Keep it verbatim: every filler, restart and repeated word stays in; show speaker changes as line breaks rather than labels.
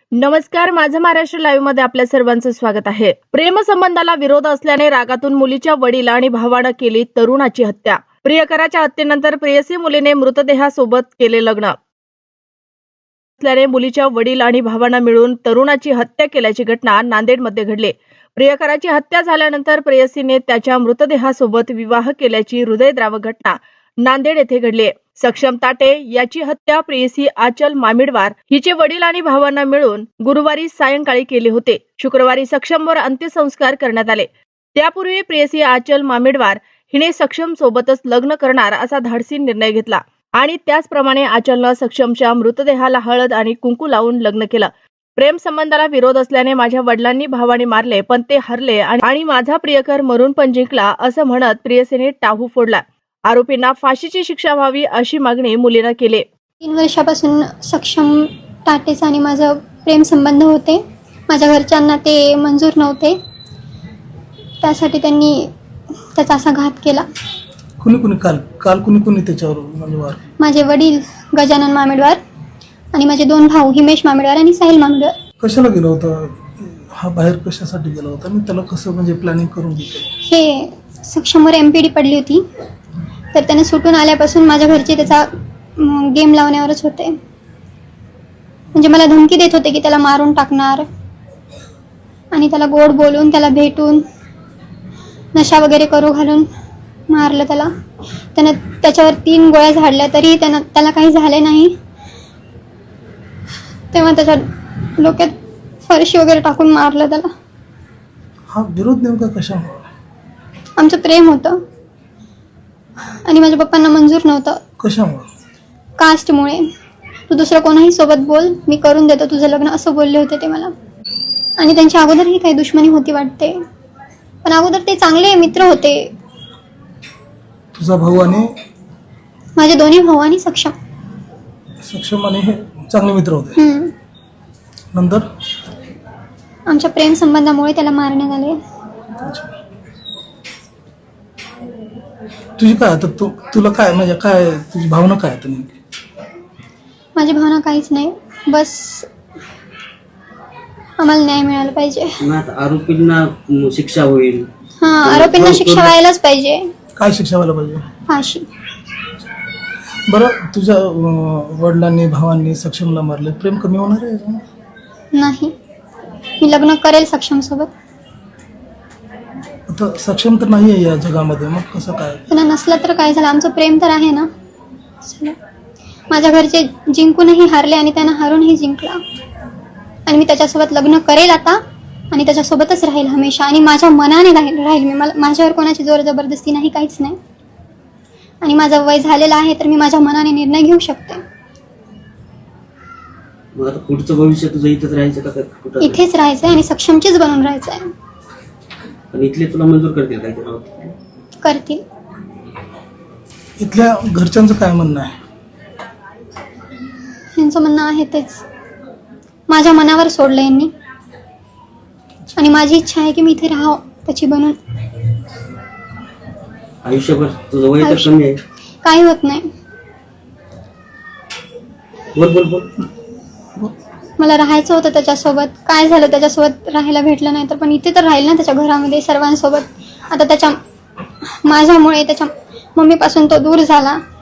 नमस्कार, माझं महाराष्ट्र लाईव्ह मध्ये आपल्या सर्वांचं स्वागत आहे. प्रेमसंबंधाला विरोध असल्याने रागातून मुलीच्या वडील आणि भावानं केली तरुणाची हत्या. प्रियकराच्या हत्येनंतर प्रेयसी मुलीने मृतदेहासोबत केले लग्न असल्याने मुलीच्या वडील आणि भावानं मिळून तरुणाची हत्या केल्याची घटना नांदेडमध्ये घडली. प्रियकराची हत्या झाल्यानंतर प्रेयसीने त्याच्या मृतदेहासोबत विवाह केल्याची हृदयद्रावक घटना नांदेड येथे घडली. सक्षम ताटे याची हत्या प्रेयसी आचल मामिडवार हिचे वडील आणि भावांना मिळून गुरुवारी सायंकाळी केले होते. शुक्रवारी सक्षमवर अंत्यसंस्कार करण्यात आले. त्यापूर्वी प्रेयसी आचल मामिडवार हिने सक्षम सोबतच लग्न करणार असा धाडसी निर्णय घेतला आणि त्याचप्रमाणे आचलनं सक्षमच्या मृतदेहाला हळद आणि कुंकू लावून लग्न केलं. प्रेम संबंधाला विरोध असल्याने माझ्या वडिलांनी भावाने मारले, पण ते हरले आणि माझा प्रियकर मरून पण जिंकला असं म्हणत प्रेयसीने टाहू फोडला. आरोपींना फाशीची शिक्षा व्हावी अशी मागणी मुलीनं केली.
तीन वर्षापासून सक्षम टाटेचा आणि माझं प्रेम संबंध होते. माझ्या घरच्यांना ते मंजूर नव्हते, त्यासाठी त्यांनी त्याचा असा घात केला.
कुणी कुणी काल काल कुणी कुणी त्याच्यावर म्हणजे वार?
माझे वडील गजानन मामेडवार आणि माझे दोन भाऊ हिमेश मामेडवार आणि साहिल मामेडवार.
कशाला गेला होता हा बाहेर, कशासाठी गेला होता आणि त्याला कसं म्हणजे प्लॅनिंग करून घेतलं?
हे सक्षमवर एमपीडी पडली होती, तर त्याने सुटून आल्यापासून माझ्या घरचे त्याचा गेम लावण्यावरच होते. म्हणजे मला धमकी देत होते की त्याला मारून टाकणार आणि त्याला गोड बोलून त्याला भेटून नशा वगैरे करू घालून मारलं. त्याला त्यानं त्याच्यावर तीन गोळ्या झाडल्या तरी त्यानं त्याला काही झाले नाही. तेव्हा त्याच्या डोक्यात फरशी वगैरे टाकून मारलं त्याला.
हा विरोध नेमका कशामुळे?
आमचं प्रेम होतं आणि माझ्या पप्पांना मंजूर नव्हतं.
कशामुळे?
कास्टमुळे. तू दुसरं कोणाही सोबत बोल, मी करून देतो तुझं लग्न, असं बोलले होते ते मला. आणि त्यांच्या अगोदरही काही दुश्मनी होती वाटते, पण अगोदर ते चांगले मित्र होते.
तुझा भाऊ आणि
माझे दोन्ही भाऊ आणि सक्षम
सक्षम आणि हे चांगले मित्र होते.
हम्म.
नंतर
आमच्या प्रेम संबंधामुळे त्याला मारण्यात आले.
तुझी काय आता तू तुला काय म्हणजे काय तुझी भावना काय आता नेमकी?
माझी भावना काहीच नाही, बस आम्हाला न्याय मिळाला पाहिजे.
आरोपींना शिक्षा होईल.
हा, आरोपींना शिक्षा व्हायलाच पाहिजे.
काय शिक्षा व्हायला पाहिजे?
फाशी.
बरं, तुझ्या अं, वडिलांनी भावांनी सक्षमला मारले, प्रेम कमी होणार आहे?
नाही, मी लग्न करेल सक्षम सोबत.
आता सक्षम तर नाही आहे या जगामध्ये, मग कसं काय?
त्यांना नसलं तर काय झालं, आमचं प्रेम तर आहे ना. माझ्या घरचे जिंकूनही हारले आणि त्यांना हारूनही जिंकला. आणि मी त्याच्यासोबत लग्न करेल आता आणि त्याच्यासोबतच राहील हमेशा. आणि माझ्या मनाने राहील राहील मी. मला माझ्यावर कोणाची जोर जबरदस्ती नाही, काहीच नाही. आणि माझं वय झालेलं आहे, तर मी माझ्या मनाने निर्णय घेऊ शकते.
मग आता पुढचं भविष्य तुझं इथेच राहायचं का कुठं?
इथेच राहायचंय आणि सक्षमचीच बनून राहायचंय.
पण इथले तुला मंजूर करतील काय ते?
करतील.
इथल्या घरच्यांचं काय म्हणणं आहे?
यांचं म्हणणं आहे तेच, माझ्या मनावर सोडलं यांनी. आणि माझी इच्छा आहे की मी इथे राहावं त्याची बनून.
आयुष्यभर तुझं वय तर कमी आहे.
काही होत नाही.
बोल बोल बोल.
मला राहायचं होतं त्याच्यासोबत. काय झालं, त्याच्यासोबत राहायला भेटलं नाही तर, पण इथे तर राहील ना त्याच्या घरामध्ये सर्वांसोबत. आता त्याच्या माझ्यामुळे त्याच्या मम्मीपासून तो दूर झाला.